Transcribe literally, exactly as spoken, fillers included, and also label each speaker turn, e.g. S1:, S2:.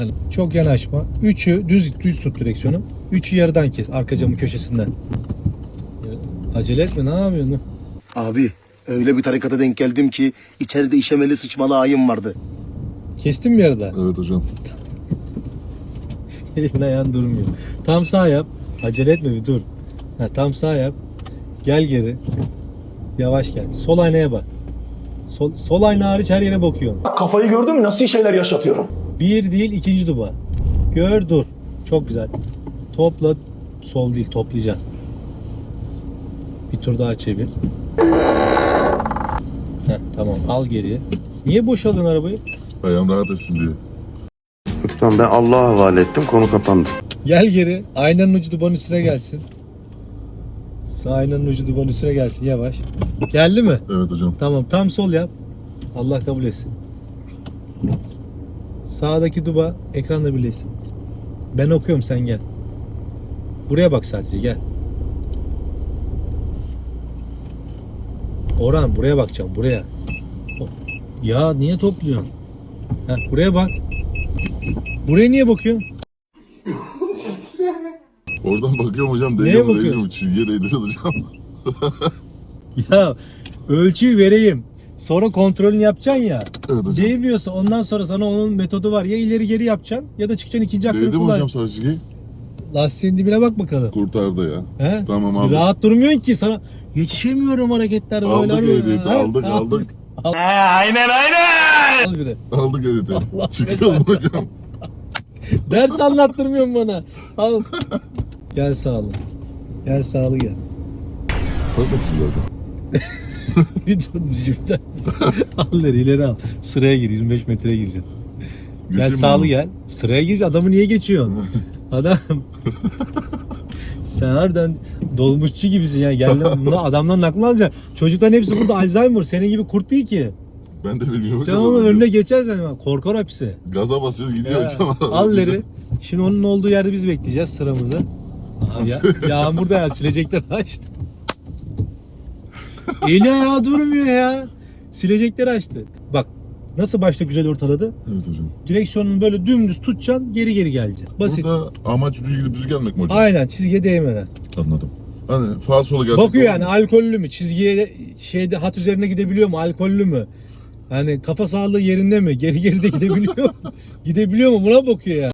S1: Çok yanaşma. Üçü düz düz tut direksiyonu. Üçü yarıdan kes arka camın köşesinden. Acele etme, ne yapıyorsun?
S2: Abi öyle bir tarikata denk geldim ki içeride işemeli sıçmalı ayım vardı.
S1: Kestin mi yarıda?
S3: Evet hocam.
S1: Elin ayağın durmuyor. Tam sağ yap. Acele etme, bir dur. Ha, tam sağ yap. Gel geri. Yavaş gel. Sol aynaya bak. Sol, sol ayna hariç her yere bakıyorsun.
S4: Kafayı gördün mü nasıl şeyler yaşatıyorum?
S1: Bir değil, ikinci duba. Gör, dur. Çok güzel. Topla. Sol değil, toplayacaksın. Bir tur daha çevir. Heh, tamam, al geriye. Niye boşalıyorsun arabayı?
S3: Ayağım rahat etsin diye.
S2: Tamam, ben Allah'a havale ettim, konu kapandı.
S1: Gel geri. Aynanın ucu dubanın üstüne gelsin. Sağ aynanın ucu dubanın üstüne gelsin, yavaş. Geldi mi?
S3: Evet hocam.
S1: Tamam, tam sol yap. Allah kabul etsin. Sağdaki duba ekranla birleşsin. Ben okuyorum, sen gel. Buraya bak sadece, gel. Orhan, buraya bakacağım, buraya. Ya niye topluyorsun? Heh, buraya bak. Buraya niye bakıyorsun?
S3: Oradan bakıyorum hocam.
S1: Neye
S3: Değiyor mu
S1: bakıyorsun?
S3: değmiyor mu? Çizgiye değdiriz hocam.
S1: Ya ölçüyü vereyim. Sonra kontrolünü yapacaksın ya.
S3: Evet hocam.
S1: Değmiyorsa ondan sonra sana onun metodu var. Ya ileri geri yapacaksın ya da çıkacaksın ikinci hakkını
S3: Değdi mi
S1: kullan.
S3: hocam sağ çizgi?
S1: Lastiğin dibine bak bakalım.
S3: Kurtardı ya.
S1: He?
S3: Tamam abi.
S1: Rahat durmuyorsun ki, sana yetişemiyorum hareketler böyle.
S3: Aldık
S1: böyle.
S3: ehliyeti,
S1: Ha?
S3: aldık, aldık.
S1: Al. aynen aynen. Al biri.
S3: Aldık editi.
S1: Allah
S3: Çıkıyoruz mu hocam?
S1: Ders anlattırmıyorsun bana. Al. Gel sağlı. Gel sağlı gel.
S3: Bakmaksın zaten.
S1: Bir dur cümle. Al ileri, ileri al. Sıraya gir, yirmi beş metreye gireceksin. Gel
S3: Geçeyim
S1: sağlı
S3: mi?
S1: gel. Sıraya gir. Adamı niye geçiyorsun? Adam. Sen harbiden dolmuşçu gibisin ya. Gel lan, bunu adamların aklını alacaksın. Çocukların hepsi burada Alzheimer. Senin gibi kurt değil ki.
S3: Ben de bilmiyorum.
S1: Sen
S3: hocam.
S1: onun önüne geçersen korkar hepsi.
S3: Gaza basıyoruz gidiyor
S1: Ya,
S3: hocam.
S1: al ileri. Şimdi onun olduğu yerde biz bekleyeceğiz sıramızı. Aa, ya, yağmur da ya, silecekleri açtı. Eli ayağı durmuyor ya. Silecekleri açtı. Bak nasıl başta güzel ortaladı.
S3: Evet hocam.
S1: Direksiyonunu böyle dümdüz tutacaksın, geri geri geleceksin. Basit.
S3: Burada amaç düz gidip düz gelmek mi hocam?
S1: Aynen, çizgiye değmeden.
S3: Anladım. Hani sağa sola gelsek
S1: Bakıyor
S3: olur
S1: yani
S3: mu?
S1: alkollü mü? Çizgiye şeyde hat üzerine gidebiliyor mu? Alkollü mü? Yani kafa sağlığı yerinde mi? Geri geri de gidebiliyor mu? Gidebiliyor mu? Buna bakıyor ya.